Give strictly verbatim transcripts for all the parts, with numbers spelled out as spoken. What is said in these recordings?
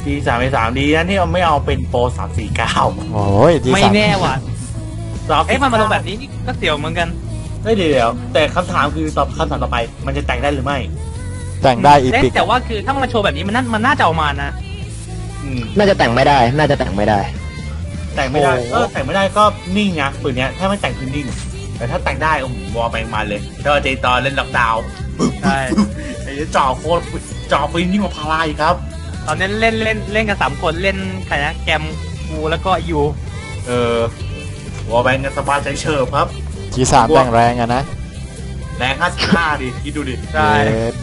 ทีสามสามดีนะที่เราไม่เอาเป็นโปรสามสี่เก้าโอ้ยไม่แน่ว่ะเอ๊ะมันมาลงแบบนี้ก็เสี่ยวเหมือนกันไม่เดี๋ยวแต่คำถามคือตอบคำถามต่อไปมันจะแต่งได้หรือไม่แต่งได้อีพิกแต่ว่าคือถ้ามันโชว์แบบนี้มันน่ามันน่าจะออกมานะน่าจะแต่งไม่ได้น่าจะแต่งไม่ได้แต่งไม่ได้เออแต่งไม่ได้ก็นิ่งนะปืนเนี้ยถ้าไม่แต่งคือนิ่งแต่ถ้าแต่งได้โอ้โหวอลแบงมาเลยถ้าเจตอนเล่นล็อกดาวน์ใช่ไอ้จ่อโคตรจ่อปืนยิ่งกว่าพาราอีกครับตอนนี้เล่นเล่นเล่นกันสามคนเล่นใครนะแกมกูแล้วก็ยูเออวอลแบงกันสบายใจเฉิบครับทีสามแต่งแรงอะนะแรงห้าสิบห้าดิคิดดูดิใช่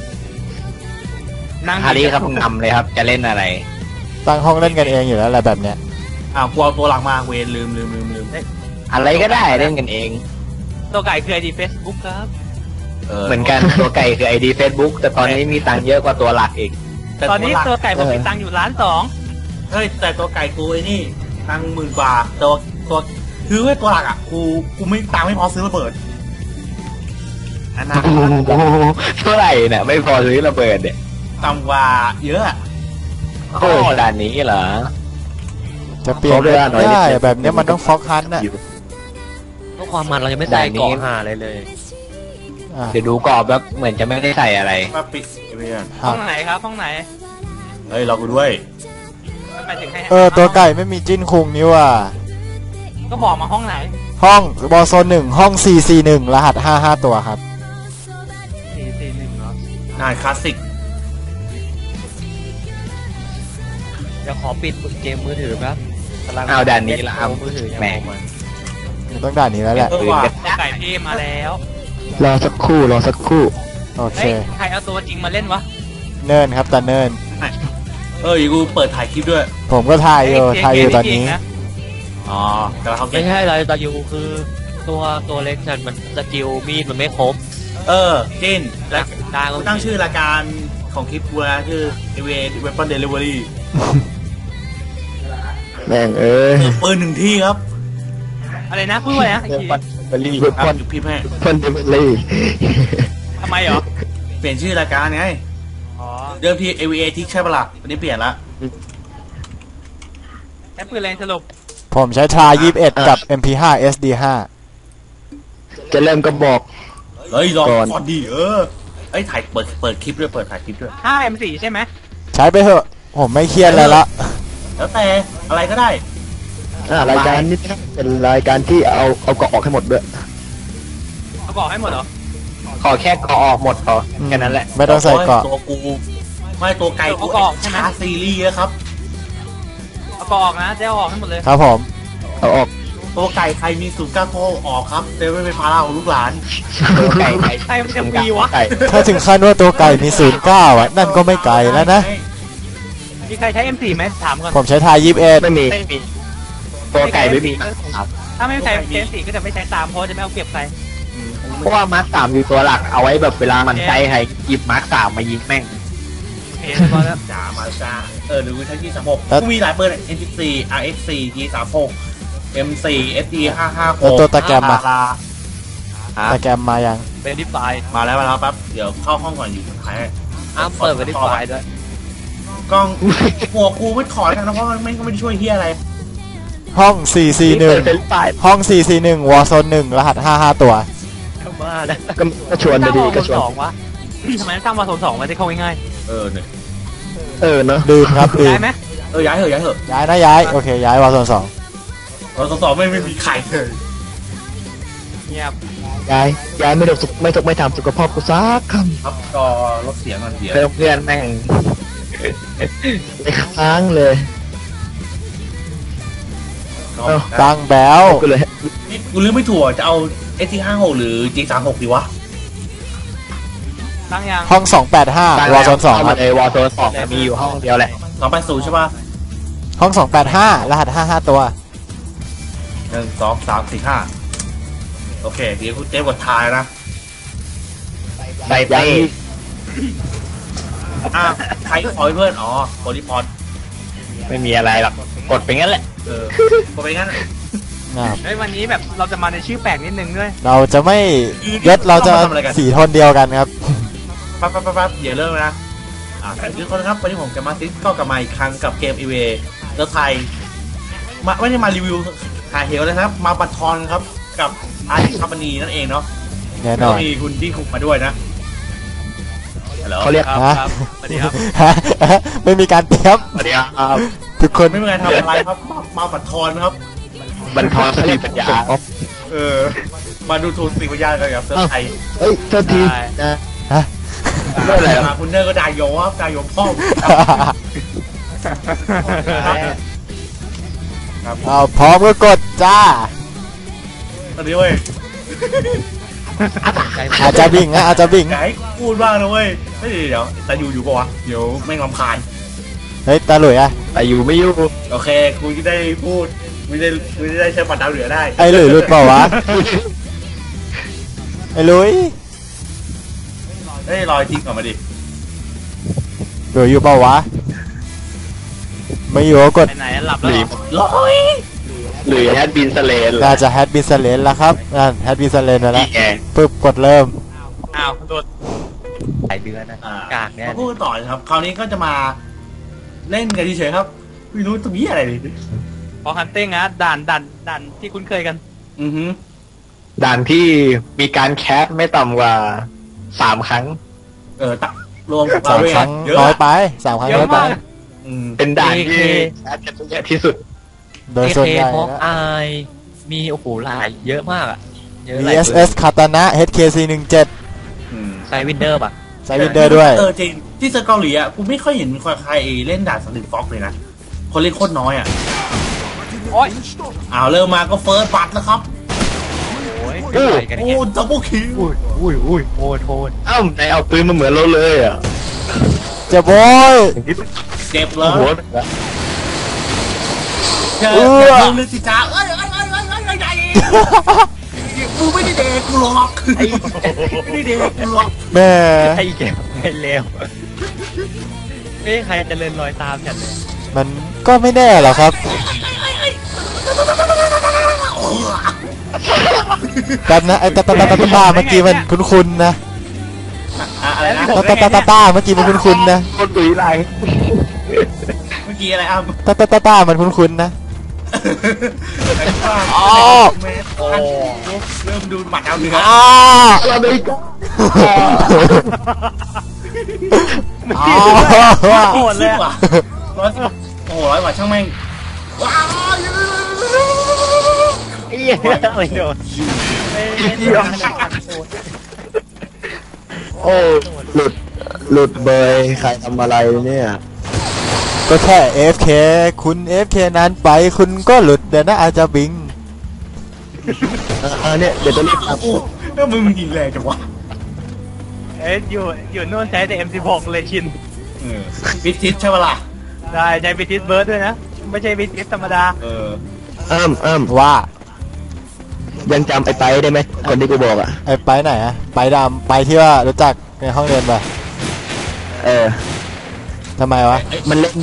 นั่งฮารีครับนำเลยครับจะเล่นอะไรตั้งห้องเล่นกันเองอยู่แล้วอะไรแบบเนี้ยอ้าวกลัวตัวหลังมาเวรลืมลืมลืมลืมอะไรก็ได้เล่นกันเองตัวไก่คือไอดีเฟซบุ๊กครับเหมือนกันตัวไก่คือไอดีเฟซบุ๊กแต่ตอนนี้มีตังค์เยอะกว่าตัวหลักอีกตอนนี้ตัวไก่ผมมีตังค์อยู่ล้านสองเฮ้ยแต่ตัวไก่กูไอ้นี่ตังค์หมื่นกว่าตัวตัวคือไอ้ตัวหลักอ่ะกูกูไม่ตังค์ไม่พอซื้อระเบิดอันนั้นเท่าไหร่เนี่ยไม่พอซื้อระเบิดเนี่ยต่ำกว่าเยอะโอ้ด่านนี้เหรอจะเปลี่ยนได้แบบนี้มันต้องฟอกฮันน่ะเพราะความมันเรายังไม่ใส่เกาะหาอะไรเลยเดี๋ยวดูกรอบแบบเหมือนจะไม่ได้ใส่อะไรมาปิดเพื่อนห้องไหนครับห้องไหนเฮ้ยเรากูด้วยเออตัวไก่ไม่มีจิ้นคุงนี่ว่ะก็บอกมาห้องไหนห้องบอลโซนหนึ่งห้องสี่สี่หนึ่งรหัสห้าห้าตัวครับสี่สี่หนึ่งเหรอน่าคลาสสิกจะขอปิดเกมมือถือครับเอาด่านนี้ละครับมือถือแหมต้องด่านนี้แล้วแหละไก่พี่มาแล้วรอสักครู่รอสักครู่โอเคใครเอาตัวจริงมาเล่นวะเนินครับตาเนินเออกูเปิดถ่ายคลิปด้วยผมก็ถ่ายอยู่ถ่ายอยู่ตอนนี้อ๋อแต่เขาไม่ใช่อะไรตายูคือตัวตัวเล็กฉันมันสกิลมีดมันไม่ครบเออจินแล้วตั้งชื่อรายการของคลิปกูนะชื่อ เอ วี เอ Weapon Delivery แม่งเอ้ยปืนหนึ่งที่ครับอะไรนะพูดว่าอะไรนะเบลลี่เว็บพอนพี่แม่พอนเดเบลลี่ทำไมเหรอเปลี่ยนชื่อรายการไงอ๋อเดิมที เอ วี เอ ทิกใช่ปะล่ะวันนี้เปลี่ยนละแอปปืนอะไรสรุปผมใช้ทรายี่สิบเอ็ดกับ เอ็ม พี ห้า เอส ดี ห้าจะเริ่มก็บอกเฮ้ยรอก่อนดิเออไอ้ถ่ายเปิดเปิดคลิปด้วยเปิดถ่ายคลิปด้วยห้า เอ็ม สี่ ใช่ไหมใช้ไปเถอะผมไม่เครียดเลยละแล้วแต่อะไรก็ได้รายการนี้เป็นรายการที่เอาเอาเกาะออกให้หมดด้วยเอาเกาะให้หมดเหรอขอแค่เกาะออกหมดพอแค่นั้นแหละไม่ต้องใส่เกาะตัวกูไม่ตัวไก่กูใช่ไหมซีรีส์ครับเอาเกาะออกนะจะเอาออกให้หมดเลยครับผมเอาออกตัวไก่ใครมีสูตรก้าโคออกครับเดี๋ยวไม่เป็นภาระของลูกหลานตัวไก่ใครมันจะมีวะถ้าถึงขั้นว่าตัวไก่มีศูนย์เก้าอ่ะนั่นก็ไม่ไกลแล้วนะมีใครใช้ เอ็ม สี่ ไหมถามก่อนผมใช้ทายยี่สิบเอ็ดไม่มีตัวไก่ไม่มีถ้าไม่ใช้ เอ็ม สี่ ก็จะไม่ใช้ตามเพราะจะไม่เอาเปรียบใครเพราะว่ามาร์คสามอยู่ตัวหลักเอาไว้แบบเวลามันใช้ใครหยิบมาร์คสามมายิงแม่งเห็นพอแล้วจ๋ามาจ้าเออหรือใช้ จี สามสิบหก กูมีหลายเบอร์ เอ็น สิบสี่ อาร์ เอ็กซ์ สี่ จี สามสิบหก เอ็ม สี่ เอส ดี ห้าห้าหกตัวตะแกรมมาตะแกรมมายังเป็นดิฟายมาแล้วมาแล้วปั๊บเดี๋ยวเข้าห้องก่อนอยู่สุดท้ายอ้าวเปิดเป็นดิฟายด้วยกล้องหัวกูไม่ถอดกันนะเพราะมันไม่ก็ไม่ได้ช่วยเฮียอะไรห้องสี่สี่หนึ่งห้องสี่สี่หนึ่งวอร์โซนหนึ่งรหัสห้าห้าตัวมาแล้วก็ชวนไปดีก็ชวนวะทำไมสร้างวอร์โซนสองมาได้เข้าง่ายเออเนี่ยเออเนาะดื่มครับดื่มย้ายไหมเออย้ายเหอะย้ายเหอะย้ายนะย้ายโอเคย้ายวอร์โซนสองวอร์โซนสองไม่ไม่มีใครเลยเงียบย้ายย้ายไม่ตกไม่ตกไม่ทำสุขภาพกูซักคำครับก็ลดเสียงมันเสียเพื่อนเพื่อนแม่งไปค้างเลยดังแบลกูเลยนี่กูเลือกไม่ถูกจะเอา เอส ที ห้าหก หรือ จี สามสิบหก ดีวะตั้งยังห้องสองแปดห้าวอร์โซนสองครับเอวอร์โซนสองมีอยู่ห้องเดียวแหละสองแปดศูนย์ใช่ป่ะห้องสองแปดห้ารหัสห้าห้าตัวหนึ่งสองสามสี่ห้าโอเคเดี๋ยวกูเจ๊กดทายนะใส่ไปอ่ะใครขอเพื่อนอ๋อโพลิพอดไม่มีอะไรหรอกกดไปงั้นแหละเออกดไปงั้นเฮ้ยวันนี้แบบเราจะมาในชื่อแปลกนิดนึงด้วยเราจะไม่ยศเราจะสีโทนเดียวกันครับปั๊บปั๊บปั๊บอย่าเริ่มนะอ่าทุกคนครับวันนี้ผมจะมาซิสก็กลับมาอีกครั้งกับเกมอีเวเลือไทยมาไม่ได้มารีวิวหาเหวนะครับมาบัตทอนครับกับอาร์ติคาปานีนั่นเองเนาะแน่นอนมีคุณที่คุกมาด้วยนะฮัลโหลเขาเรียกครับฮะครับสวัสดีครับไม่มีการเตรียมสวัสดีครับทุกคนไม่มีใครทำอะไรครับมามาบัตทอนครับบรรทอนสติปัญญาเออมาดูทูนสิวิญญาณกันกับเซิร์ฟไทยเฮ้ยโทษทีนะฮะเรื่องอะไรครับมาคุณเนอร์ก็ดายโยครับดายโยพ่อครับเอาพร้อมก็กดจ้าตอนนี้เว้ยอาจจะบิ่งนะอาจจะบิ่งอย่าให้พูดบ้างนะเว้ยเฮ้ยเดี๋ยวแต่อยู่อยู่ปะวะเดี๋ยวไม่งรำคาญเฮ้ยตาหลุยอะแต่อยู่ไม่อยู่โอเคกูจะได้พูดกูจะได้กูจะได้ใช้ปัดดาวเหลือได้ไอ้หลุยหลุดเปล่าวะไอ้หลุยเฮ้ยลอยทิ้งออกมาดิหลุยอยู่เปล่าวะไม่อยู่ก็กดไปไหนหลับแล้วเหรอลอยหรือแฮดบินสเลนน่าจะแฮดบินสเลนแล้วครับนั่นแฮดบินสเลนมาแล้วนี่ไงปึ๊บกดเริ่มอ้าวโดนหลายเดือนนะอ่ากากเนี่ยมาพูดต่อนะครับ คราวนี้ก็จะมาเล่นกันเฉยๆครับไม่รู้ตรงนี้อะไรเลยพอฮันเต้งนะด่านด่านด่านที่คุ้นเคยกันอือฮึด่านที่มีการแคสไม่ต่ำกว่าสามครั้งเออตักรวมกับสาเรามด้วยครั้งเยอะน้อยไปสามครั้งเยอะน้อยไปมากอืมเป็นด่านที่เอเคแคสกันเยอะที่สุดโดยส่วนใหญ่ฮอกนะอายมีโอ้โหหลายเยอะมากอ่ะเยอะหวีลายเอส เอส คาตานะ เอช เค ซี หนึ่งเจ็ดอืมไซวินเดอร์ป่ะไซวินเดอร์ด้วยเออจริงที่เซอร์เกาหลีอ่ะกูไม่ค่อยเห็นมีใครเล่นด่านสลิดฟ็อกเลยนะคนเล่นโคตรน้อยอ่ะโอ้ยอ้าวเริ่มมาก็เฟิร์สบัตแล้วครับโอ้ยเป็นไรกันโอ้เนี่ยดับเบิลคิวอุ้ยอุ้ยอุ้ยโทษโทษเอ้าไหนเอาปืนมาเหมือนเราเลยอ่ะเจ็บโว้ยเจ็บเลโอ้ยโหเจอเออเจอเรื่องสิจ้าเอ้ยเอ้ยเอ้ยเอ้ยเอ้ยเอ้ยเอ้ยกูไม่ได้เด็กกูหรอกไม่ได้เด็กกูหรอกแม่ไอ้เก็บไอ้เลวเอ้ยใครจะเดินรอยตามฉันเลยมันก็ไม่แน่หรอกครับกันนะไอ้ตาตาตาตาตาเมื่อกี้มันคุ้นๆนะอะอะไรนะตาตาตาตาตาเมื่อกี้มันคุ้นๆนะคนดุยไรเมื่อกี้อะไรอ่ะตาตาตาตามันคุ้นๆนะ อ๋อโอ้เริ่มดูหมัดเอาเนื้ออ้าเราไม่กล้าอ้าโหดเลยว่ะร้อยโอ้โหร้อยกว่าช่างแม่งว้าวไอ้เหี้ยไม่โดนไม่ไม่โดนโอ้หลุดหลุดเบยใครทำอะไรเนี่ยก็แค่ เอ เอฟ เค คุณ เอ เอฟ เค นั้นไปคุณก็หลุดเดี๋ยวนะอาจจะบิงเออเนี่ยเดี๋ยวจะรีบทโอ้แล้วมึงมันยิงแรงจังวะเอ้ยอยู่อยู่นู่นใช้แต่ เอ็ม สิบหก เลยชินเออพิทิศใช่ปะล่ะได้ใช้บิทิสเบิร์ดด้วยนะ ไม่ใช่บิทิสธรรมดาเออำอ้ำอ้ำว่ายังจำไอ้ไปได้ไหมคนที่กูบอกอ่ะไอ้ไปไหนอะไปดำไปที่ว่ารู้จักในห้องเรียนปะเออทำไมวะมันเล่น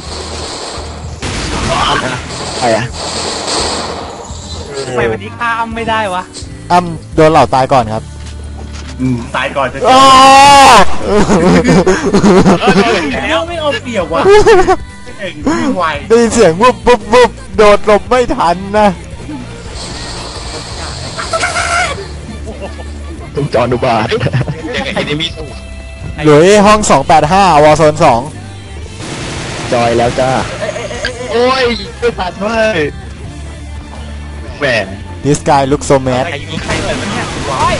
ใครอ่ะทำไมวันนี้ข้ามไม่ได้วะอ้ำโดนเหล่าตายก่อนครับอืมตายก่อนจะอ้าแล้วไม่เอาเปรียบว่ะเองวิ่งไวได้ยินเสียงวุบวุบวุบโดดหลบไม่ทันนะต้องจอดูบาทไอ้นี่มีหลุยห้องสองแปดห้าวอโซนสองจอยแล้วจ้าโอ้ยไม่ทันเว้ยแหมดิสกายลุกโซแมสใครยิงใครเลยมันเนี่ย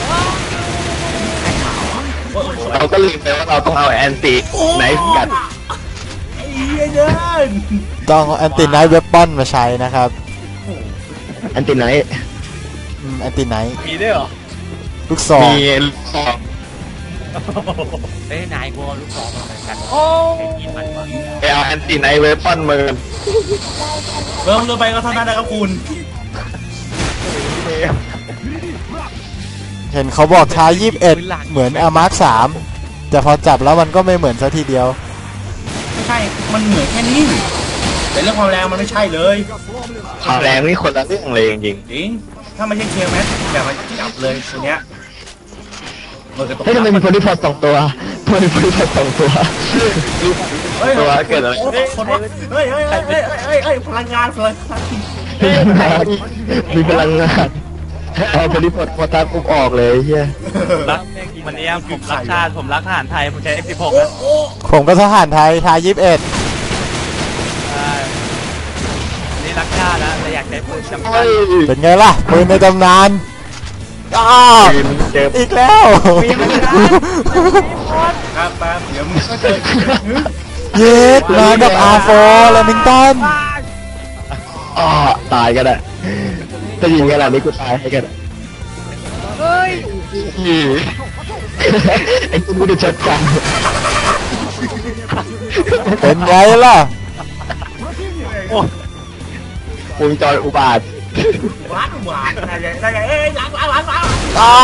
เราก็ลืมไปว่าเราต้องเอาแอนติไหนกัดไอ้เหี้ยเดินต้องแอนติไนท์เวปอนมาใช้นะครับแอนติไหนแอนติไนท์มีด้วยเหรอลูกซองมีสองเอ้ยนายกูเอาลูกศรมาเหมือนกันโอ้ยิงมันก่อนไปเอาแอนติไหนเวปอนมาเริ่มเริ่มไปก็เท่านั้นนะครับคุณเห็นเขาบอกช้ายี่สิบเอ็ดเหมือนอามาร์คสามแต่พอจับแล้วมันก็ไม่เหมือนซะทีเดียวไม่ใช่ มันเหมือนแค่นี้แต่เรื่องความแรงมันไม่ใช่เลยความแรงนี่คนละเรื่องเลยจริงจริง ถ้าไม่ใช่เคียร์แมสอย่ามาจับเลยตัวเนี้ยๆเฮ้ยทำไมมีคนที่พอสองตัวมันเป็นสองตัวเฮ้ยตัวเกิดอะไรโอ้คนวะเฮ้ยเฮ้ยเฮ้ยเฮ้ยเฮ้ยเฮ้ยพลังงานพลังงานมีพลังงานเอาไปรีพอร์ตพอตาปุ๊บออกเลยเฮียรักวันนี้ผมรักชาติผมรักทหารไทยผมใช้ เอ็กซ์ สิบหกโอ้นะโอ้ผมก็ทหารไทยทายยี่สิบเอ็ดใช่วันนี้รักชาตินะแต่อยากใช้ปืนจำกัเฮ้ดยเป็นไงล่ะปืนในตำนานอ้าวเจ็บอีกแล้วครับแป๊บเดี๋ยวมึงก็เจอเย็ดมากับอาร์โฟแลมิงตันอ๋อตายกันอ่ะจะยิงกันอ่ะนี่กูตายให้กันเฮ้ยไอ้กูไม่ได้จัดการเป็นไงล่ะวงจรอุบาทหวานหวานอะไรอย่างเงี้ยเอ้ยหลังหลังหลังหลังอ้าว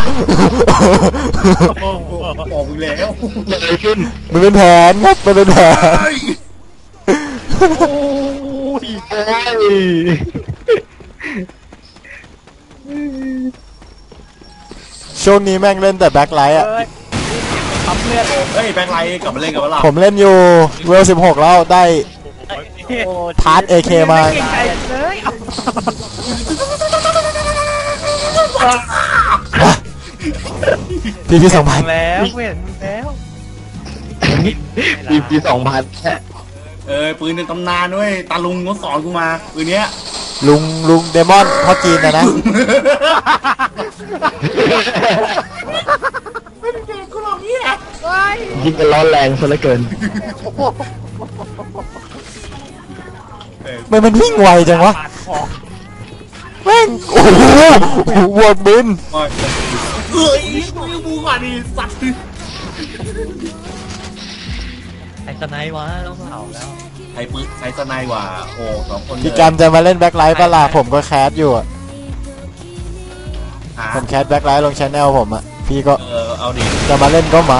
บอกมึงแล้วเกิดอะไรขึ้นมันเป็นแผนครับมันเป็นแผนโอ้ยเอ้ยช่วงนี้แม่งเล่นแต่แบ็คไลท์อ่ะเฮ้ยแบงค์ไลท์กลับมาเล่นกับเราผมเล่นอยู่เวลสิบหกแล้วได้ทาร์ตเอเคมาพี่พี่สองพันแล้วเห็นแล้วปีปีสองพันแค่เออปืนในตำนานด้วยตาลุงเขาสอนกูมาปืนเนี้ยลุงลุงเดมอนพ่อจีนนะนะไม่เป็นเด็กกูหรอกเนี่ยยิงกันร้อนแรงซะเหลือเกินมันมันวิ่งไวจังวะแม่งโอ้โหวัวบินเอ้ยกูยังบูกว่านี่สัตว์ไอ้สไนวะต้องเผาแล้วไอ้ปืนไอ้สไนว่ะโอ้สองคนพี่กันจะมาเล่นแบ็คไลท์ปะล่ะผมก็แคสอยู่อะหาผมแคสแบ็คไลท์ลงชแนลผมอะพี่ก็เออเอาดิจะมาเล่นก็มา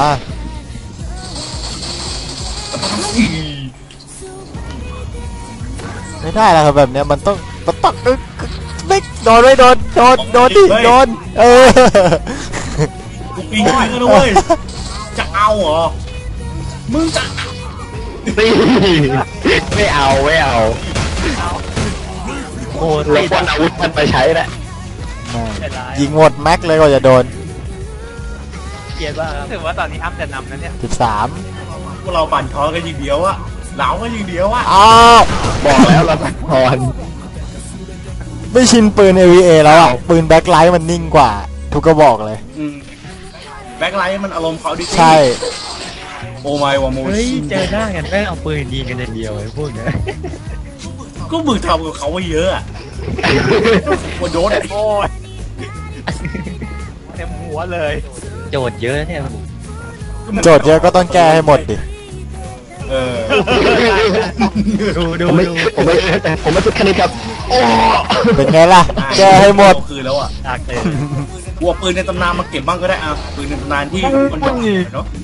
ไม่ได้แล้วครับแบบเนี้ยมันต้องมันต้องเอ้ยไม่โดนไม่โดนโดนโดนดิโดนเออกูปีนขึ้นกันด้วยจะเอาเหรอมึงจะนี่ไม่เอาไม่เอาโอ้เราควรอาวุธมันไปใช้แหละยิงหมดแม็กเลยกว่าจะโดนเกลียดว่าถือว่าตอนนี้อัพแต่นำนะเนี่ยสิบสามพวกเราปั่นท้อกันยิงเดียวอะเหลาก็ยิงเดียวอะอ้าวบอกแล้วเราตัดพรไม่ชินปืน เอ วี เอ แล้วอ่ะปืนแบ็คไลท์มันนิ่งกว่า ทุกกระบอกเลยอืมแบ็คไลท์มันอารมณ์เขาดิใช่โอ้ไม่วะโมเฮ้ยชิเจอหน้ากันแม่งเอาปืนยิงกันอย่างเดียวไอ้พวกเนี้ยก็มึงทำกับเขาไว้เยอะอะว่าโดนโอ้ยเต็มหัวเลยโจทย์เยอะเนี่ยโจทย์เยอะก็ต้องแก้ให้หมดดิเออดูดูผมไม่ดูผมไม่ผมไม่สุดแค่นี้ครับโอ้เป็นไงล่ะ แก้ให้หมดคืนแล้วอะตากเลยวัวปืนในตำนานมาเก็บบ้างก็ได้อะปืนในตำนานที่คนอยากเนาะ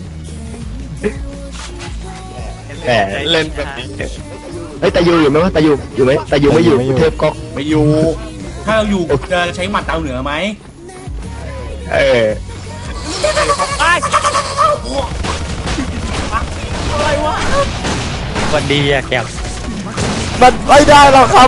แหมเล่นแบบนี้เฮ้ยตายูอยู่ไหมวะตายูอยู่ไหมตายูไม่อยู่ไม่อยู่เทพก๊อกไม่อยู่ ถ้าเราอยู่จะใช้หมัดดาวเหนือไหมเอออะไรวะวันดีอะแกมันไม่ได้หรอกครับ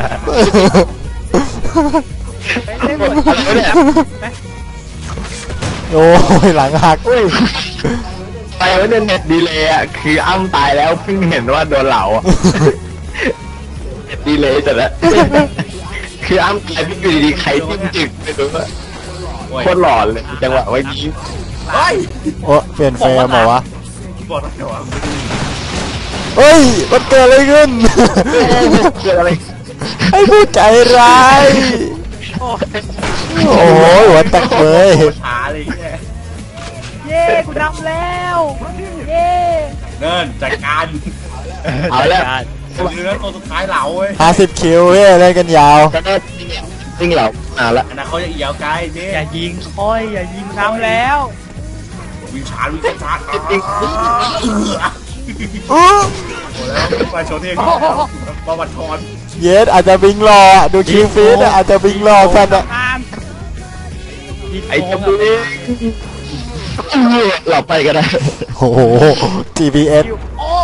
โอ้ยหลังหักเฮ้ยไปไว้ในเน็ตดีเลยอ่ะคืออ้ำตายแล้วเพิ่งเห็นว่าโดนเหลาอ่ะเน็ตดีเลยแต่ละคืออ้ำตายเพิ่งอยู่ดีๆใครจิ้มจึกไปดูว่าโอ้ยโคตรหลอนเลยจังหวะเมื่อกี้เฮ้ยโอ้เปลี่ยนเฟรมเหรอวะบอกแล้วเดี๋ยวอะเฮ้ยมันเกิดอะไรขึ้นเกิดอะไรไอ้ผู้ใจร้าย โอ้ยหัวแตกเลยโคตรช้าเลยแค่เย้กูนำแล้วเย้เนิ่นจัดการเอาแล้วเนื้อตัวสุดท้ายเหลาเว้ยห้าสิบคิวเว้ยเล่นกันยาวก็น่าวิ่งเหลาอ่าละอันนั้นเขาจะเอียวไกลเนี่ยอย่ายิงค่อยอย่ายิงนำแล้ววิ่งช้าวิ่งช้าเอออื้อโอ้แล้วมาโชว์เท่ประวัติทอนเยสอาจจะบิงรออะดูคิวฟีดอะอาจจะบิงรอสัตว์อะไอ้เจ้าบุ้ยเออเราไปก็ได้โอ้โห จี พี เอส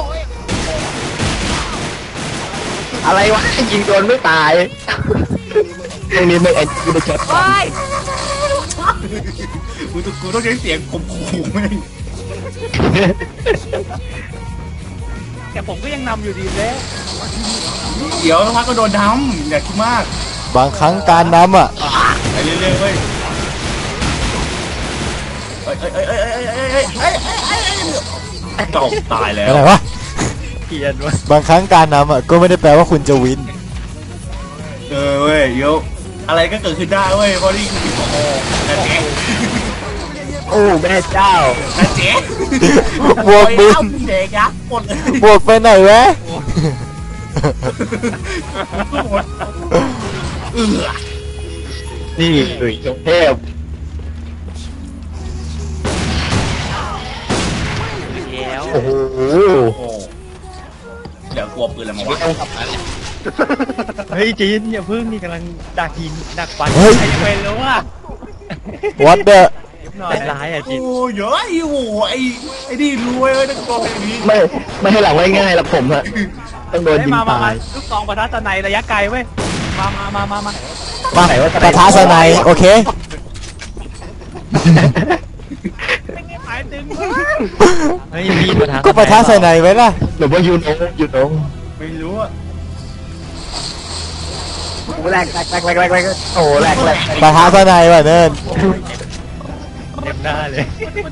อะไรวะยิงโดนไม่ตายตรงนี้ไม่เอ็นกูจะช็อตกูต้องกูต้องใช้เสียงข่มขู่แม่งแต่ผมก็ยังนำอยู่ดีเลยเดี๋ยวพักก็โดนดำอย่าคิดมากบางครั้งการนำอ่ะไปเรื่อยๆเว้ยเอ้ยเอ้ยเอ้ยเอ้ยเอ้ยเอ้ยเอ้ยเอ้ยเอ้ยเอ้ยตกตายแล้วอะไรวะเกียนวะบางครั้งการนำอ่ะก็ไม่ได้แปลว่าคุณจะวินเออเว้ยเดี๋ยวอะไรก็เกิดขึ้นได้เว้ยเพราะนี่คือโอ้โหนาเจ๊โอ้แม่เจ้านาเจ๊บวกบินเอาเด็กยักษ์หมดเลยบวกไปไหนวะเออนี่หนุ่ยเทพแล้วโอ้โหโอ้โหเดี๋ยวกลัวปืนอะไรมาวะต้องกลับมาเฮ้ยจีนอย่าพึ่งนี่กำลังดักหินดักฟันเฮ้ยใครจะไปรู้ว่า what the หน่อยร้ายอ่ะจีนโอ้เยอะโอ้โหไอ้ไอ้นี่รวยเลยนักกองอย่างนี้ไม่ไม่ให้หลังไว้ง่ายหรอกผมอะต้องโดนเฮ้ยยิงมามาตามาย ลูกซองประทัดในระยะไกลเว้ยมามามามามามาปะทะสไนด์โอเคไม่เงี้ยหมายถึงเฮ้ยมีประธานก็ปะทะสไนด์ไว้ล่ะหรือว่ายูโนยูโนไม่รู้อะโอ้แรกแรกแรกแรกแรกแรกโอ้แรกแรกปะทะสไนด์ว่ะเนินเต็มหน้าเลย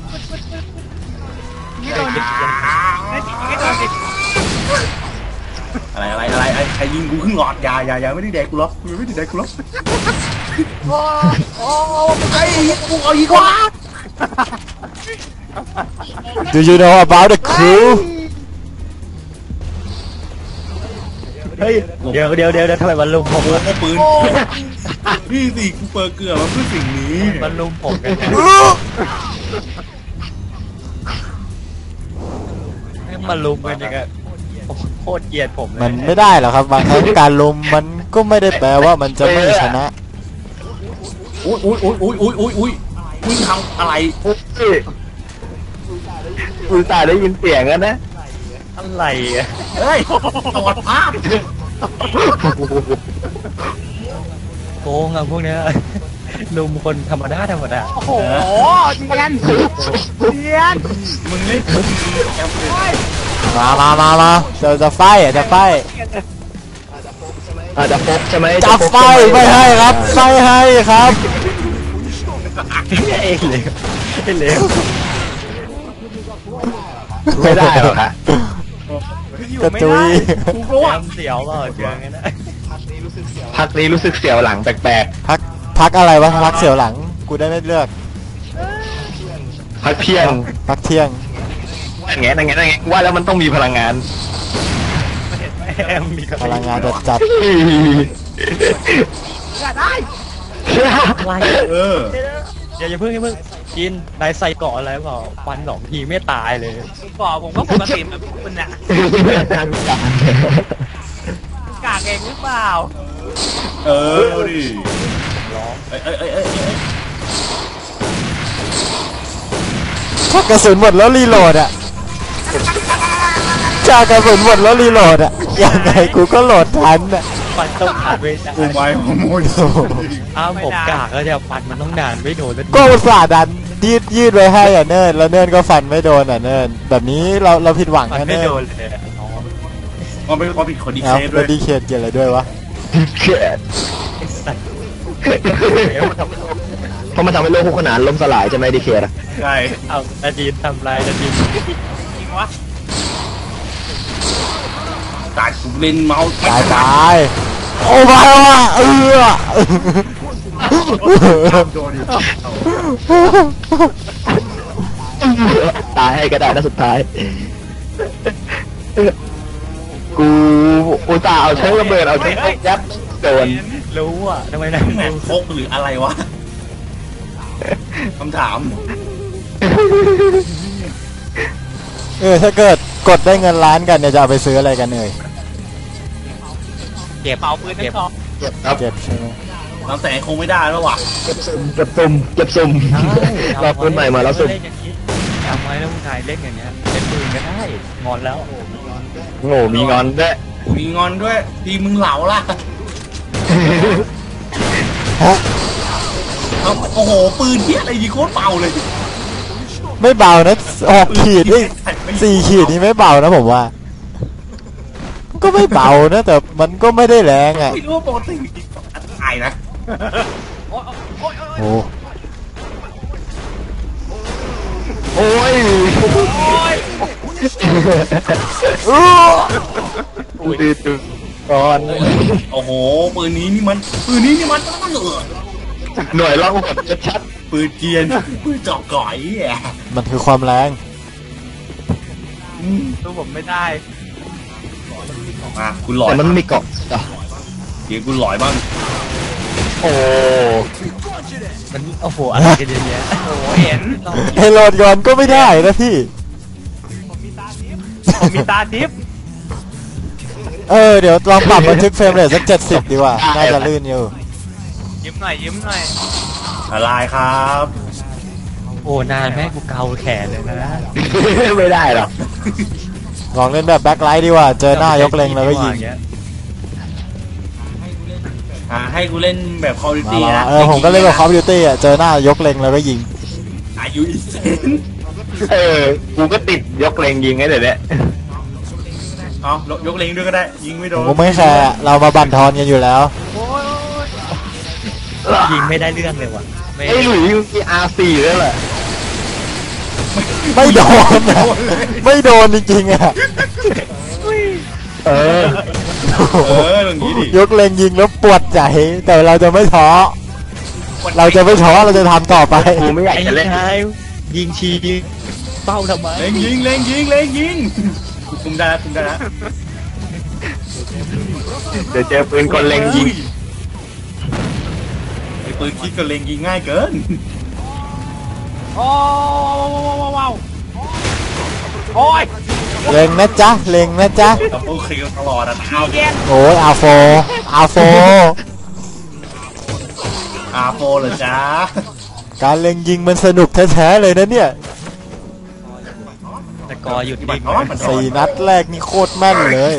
นี่โดนดิไม่ติดไม่โดนดิอะไรอะไรอะไรไอ้ใครยิงกูขึ้นหลอดอยาอยาอยาไม่ได้แดกกูหรอกกูไม่ได้แดกกูหรอกโอ้โอ้ไอ้กูเอาอีกว่า Do you know about the crew เฮ้ยเดี๋ยวเดี๋ยวเดี๋ยวเดี๋ยวทำไมมันลุมผมโอ้โหปืนนี่สิกูเปิดเกลือมาเพื่อสิ่งนี้มันลุมผมกันเนี่ยให้มันลุมกันยังไงโคตรเกลียดผมเลยมันไม่ได้หรอกครับ บางครั้งการลุมมันก็ไม่ได้แปลว่ามันจะไม่ชนะอุ้ยอุ้ยอุ้ยอุ้ยอุ้ยอุ้ยอุ้ยมึงทำอะไรโอ้ยอุตส่าห์ได้ยินเสียงกันนะอะไรอ่ะเฮ้ยตรวจภาพโกงอ่ะพวกเนี้ยลุมคนธรรมดาธรรมดาโอ้โหเนียนเนียนมึงเล่นแอมเปญมามามามาจะจะไฟอ่ะจะไฟอาจจะพบใช่ไหมจะไฟไม่ให้ครับไม่ให้ครับเอ้ยเหลวเอ้ยเหลวไม่ได้หรอกฮะอยู่กระไม่จุได้ยกูก็ว่าจำเสียวเปล่าเจองั้นนะพักนี้รู้สึกเสียวหลังแปลกพักพักอะไรวะพักเสียวหลังกูได้ไม่เลือกๆพักเที่ยงพักเที่ยงอย่างเงี้ยอย่างเงี้ยอย่างเงี้ยว่าแล้วมันต้องมีพลังงานแอมมีกระพลังงานจัดจัดอย่าได้อะไรเอออย่าอย่าเพิ่งอย่าเพิ่งกินนายใส่เกาะอะไรเปล่าฟันสองทีไม่ตายเลยก่อผมก็ปกติแบบคุณน่ะกากเองหรือเปล่าเออเอาดิเอ้ยเอ้ยเอ้ยเอ้ยเอ้ยถ้ากระสุนหมดแล้วรีโหลดอ่ะถ้ากระสุนหมดแล้วรีโหลดอ่ะยังไงกูก็โหลดทันอ่ะฟันต้องขาดไม่ได้กูไม้ฮอร์โมนโอ้โหอ้าวผมกากแล้วเนี่ยฟันมันต้องนานไม่โดนแล้วก็อุตส่าห์ดันยืดยืดไว้ให้อ่ะเนิร์ดแล้วเนิร์ดก็ฟันไม่โดนอ่ะเนิร์ดแบบนี้เราเราผิดหวังฟันนะไม่เนิร์โดดนเลยอะอ๋อมันเป็นความผิดของดีเอาเคด้แล้ว วย ดีเคทเกี่ยวอะไรด้วยวะเกิดไอ้สัตว์เพราะมันทำให้โลกคู่ขนานล่มสลายใช่ไหมดีเคทอะใช่เอานาดีนทำลายนาดีนจริงวะตายกูเล่นเมาส์ตายตายโอ้มาว่ะเออโดนดิตายให้ก็ได้นะสุดท้าย กูอุตส่าห์เอาเชื้อระเบิดเอาเชื้อยับโดนรู้อ่ะทำไมนะแมนพกหรืออะไรวะคำถามเออถ้าเกิดกดได้เงินล้านกันเนี่ยจะเอาไปซื้ออะไรกันเอ่ยเก็บเป่าปืนนั่นคอครับเก็บใช่ไหมน้ำแสงคงไม่ได้แล้วว่ะเก็บซุ่มเก็บซุ่มเก็บซุ่มรอปืนใหม่มาแล้วซุ่มเล่นอย่างนี้แล้วมึงชายเล่นอย่างเงี้ยเล่นปืนก็ได้งอนแล้วโง่มีงอนด้วยมีงอนด้วยทีมึงเหลาล่ะฮะเอาโอ้โหปืนเที่ยอะไรยิงโคตรเบาเลยไม่เบานะหกขีดนี่สี่ขีดนี่ไม่เบานะผมว่า ก็ไม่เบานะแต่มันก็ไม่ได้แรงอ่ะไม่รู้ว่าปกติตายนะโอ้โอ้ยอู้ดูดูก่อนโอ้โหปืนนี้นี่มันปืนนี้นี่มันต้องเหลือหน่วยล่องหนชัดปืนเกียนปืนเจาะก่อยแย่มันคือความแรงตัวผมไม่ได้มาคุณหๆลอยแต่มันมีเกาะอ่ะเดี๋ยวคุณหลอยบ้างโอ้มันโอ้โหอะไรกันเยอะแยะโอ้โหเห็นไอโหลดก่อนก็ไม่ได้นะพี่ผมมีตาทิพย์เออเดี๋ยวลองปรับบันทึกเฟรมเรทสักเจ็ดสิบดีกว่า น่าจะลื่นอยู่ยิ้มหน่อยยิ้มหน่อยอะไรครับโอ้นานแม่กูเกาแขนเลยนะไม่ได้หรอกลองเล่นแบบแบ็คไลท์ดีกว่า เจอหน้ายกเล็งแล้วก็ยิงอ่าให้กูเล่นแบบ Call of มา Duty มานะเออผมก็เล่นแบบคอมพิวเตอร์อ่ะ เจอหน้ายกเล็งแล้วก็ยิงอายุอีเซนเออกูก็ติดยกเลงยิงไงเดี๋ยวนี้เอายกเล็งด้วยก็ได้ ยิงไม่โดผมนก็ไม่แคร์อะเรามาบั่นทอนกันอยู่แล้วยิงไม่ได้เรื่องเลยว่ะไม่ไอ้หลุยส์มี อาร์ สี่ด้วยแหละไม่โดนนะไม่โดนจริงๆอ่ะเออเอออย่างนี้ดิยกเล็งยิงแล้วปวดใจ แต่เราจะไม่ท้อ เราจะไม่ท้อเราจะทำต่อไปกูไม่อยากไอ้จะเล่นชายยิงชีเป้าทำไมเล็งยิงเล็งยิงเล็งยิงคุมได้แล้วคุมได้แล้วเดี๋ยวเจอปืนคนเล็งยิงไอ้ปืนคิดกับเล็งยิงง่ายเกินโอ้ว้าวโอ้ยเล็งนะจ๊ะ เล็งนะจ๊ะกับโอเคตลอดอ่ะเอาเย็นโอ้ยอาโฟอาโฟอาโปเหรอจ๊ะการเล็งยิงมันสนุกแท้ๆเลยนะเนี่ยแต่กอหยุดบันิ่ตงรน้อยบัตรน้อยสี่นัดแรกนี่โคตรแม่นเลย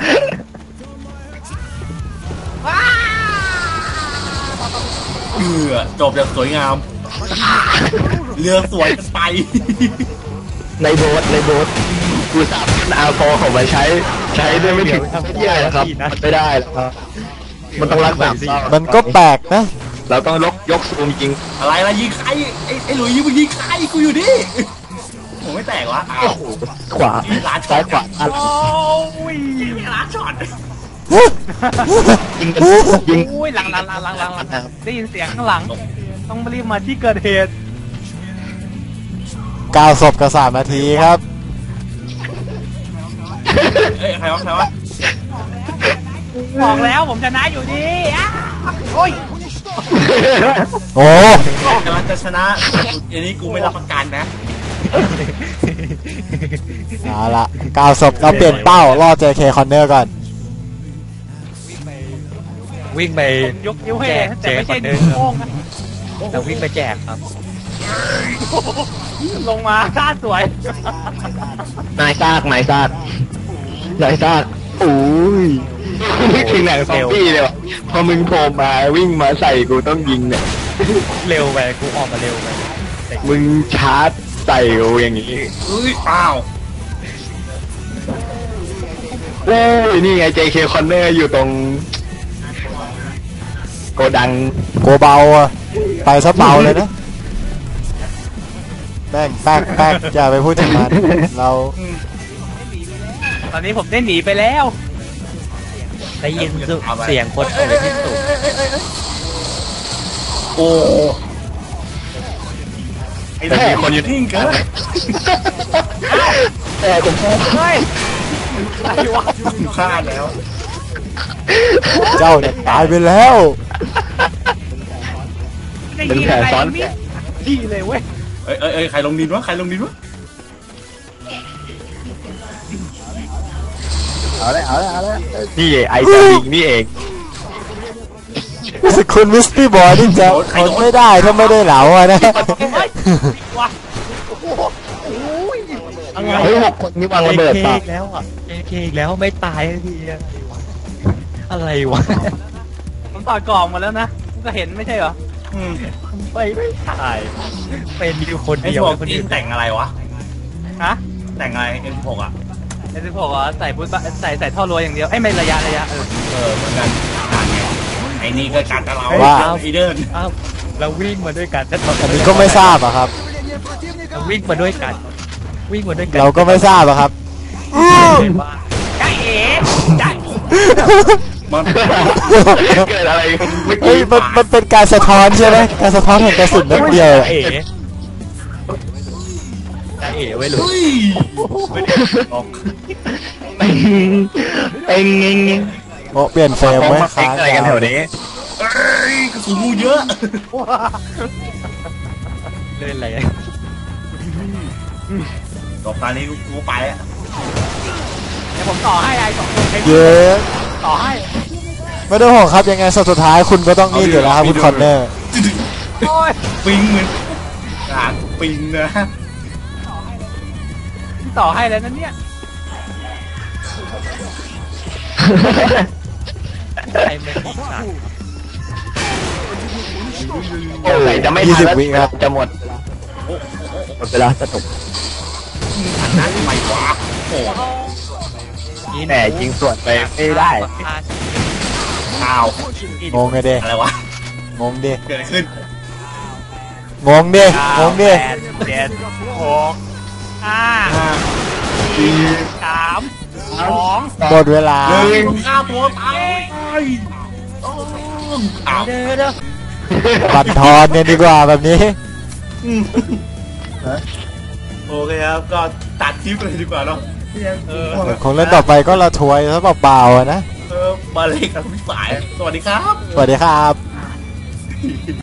เอือจบอย่างสวยงาม เรือสวยกันไปในโบสในโบสกูสามารถเอาโฟของมาใช้ ใช้ได้ไม่ถึงเที่ยนะครับ มันไม่ได้หรอกครับ มันต้องรักษามันก็แปลกนะเราต้องยกยกซูมจริงอะไรล่ะยิงใครไอ้ไอ้หลุยยิงมึงยิงใครกูอยู่ดิผมไม่แตกวะอ้าวขวาซ้ายขวาอันโอ้ยยิงไม่ล้านช็อตยิงกันยิงโอ้ยหลังหลังหลังหลังหลังหลังได้ยินเสียงข้างหลัง ต้องรีบมาที่เกิดเหตุเก้าศพกับสามนาทีครับเอ้ยใครวะใครวะบอกแล้วผมชนะอยู่ดีอ่ะโอ้ยโอ้กำลังจะชนะอันนี้กูไม่รับประกันนะเอาละเก้าศพเราเปลี่ยนเป้าล่อ เจ เค Corner ก่อนวิ่งไปยกนิ้วให้แจกแต่ไม่ใช่แจกนิ้วโป้งนะแต่วิ่งไปแจกครับลงมาท่าสวยนายซากนายซากนายซากโอ้ยนี่คือหนังซอมบี้เลยวะพอมึงโผล่มาวิ่งมาใส่กูต้องยิงเนี่ยเร็วไปกูออกมาเร็วไปมึงชาร์จใส่กูอย่างนี้เอ้ยเปล่าโอ้ยนี่ไง เจ เค Corner อยู่ตรง โกดังโกเบาอะไปซะเบาเลยนะแป้งแป๊กแป๊กอย่าไปพูดถึงมันเราตอนนี้ผมได้หนีไปแล้วได้ยินเสียงคนโอยที่สุดโอ้ไอ้แม่คนอยู่ทิ้งเกินแต่ผมเฮ้ยอะไรวะพลาดแล้วเจ้าเนี่ยตายไปแล้วได้ยินอะไรมิดีเลยเว้ยเอ้ยเอ้ยเอ้ยใครลงดินวะใครลงดินวะเอาเลยเอาเลยเอาเลยนี่ไอ้จะยิงนี่เองรู้สึกคุณมิสตี้บอยนี่จะทนไม่ได้ถ้าไม่ได้เหลาอะนะเฮ้ยว้าโอ้โหอะไรเฮ้ยหกคนนี่วางระเบิดเอปะอีกแล้วอ่ะเอเคอีกแล้วไม่ตายสักทีอะอะไรวะผมต่อกล่องมาแล้วนะคุณก็เห็นไม่ใช่เหรออืมไปไม่ตายเป็นอยู่คนไอ้เดียวพวกคนจีอื่นนแต่งอะไรวะฮะแต่งอะไรเอ็มหกอ่ะเอสิบหกอ่ะใส่พุทธใส่ใส่ท่อรัวอย่างเดียวไอ้ยไม่ระยะระยะเออเออเหมือนกันต่างไงไอ้นี่ก็การกับเราว่าไอเดินอ้าวเราวิ่งมาด้วยกันแต่ตอันนี้ก็ไม่ทราบอะครับเราวิ่งมาด้วยกัน วิ่งมาด้วยกันเราก็ไม่ทราบอะครับว่าจ้าเอ๋จ้ามันเกิดอะไรเมื่อเฮ้กี้ยมันมันเป็นการสะท้อนใช่ไหมการสะท้อนแห่งกระสุนนัดเดียวอะเอ๋จ้าเอ๋ไว้เลยเฮ้ยออกเอ็งเอ็งเอ็งเอ็งโอ้เปลี่ยนเฟรมไว้มาเอ็ค้างอะไรกันแถวนี้เอ้ยกระสุนงูเยอะเล่นอะไรตบตานี้กูไปอ่ะเดี๋ยวผมต่อให้ไอ้สองคนใครเยอะต่อให้ไม่ต้องห่วงครับยังไงสุดท้ายคุณก็ต้องนี่อยู่แล้วครับคุณคอนเนอร์โอ้ยปิงเหมือนหางปิงนะต่อให้แล้วนั่นเนี่ยไอ้ไม่ติดสัตว์โอ้ยจะไม่ทันแล้วจะหมดหมดเวลาจะจบหันหน้าทำไมวะโอ้โหแหมยิงส่วนไปไม่ได้อ้าวงงไงเด้อะไรวะงงดิเกิดอะไรขึ้นงงดิงงดิแปดเจ็ดหกห้าห้าสี่สามสองหมดเวลาหนึ่งฆ่าตัวตายอ้าวเด้อเด้อบัตรทอนเนี่ยดีกว่าแบบนี้อืมโอเคครับก็ตัดคลิปเลยดีกว่าเนาะเออคงเล่นต่อไปก็ละทวยซะเปล่าๆอะนะเออมาเลยกับพี่สาย สวัสดีครับสวัสดีครับ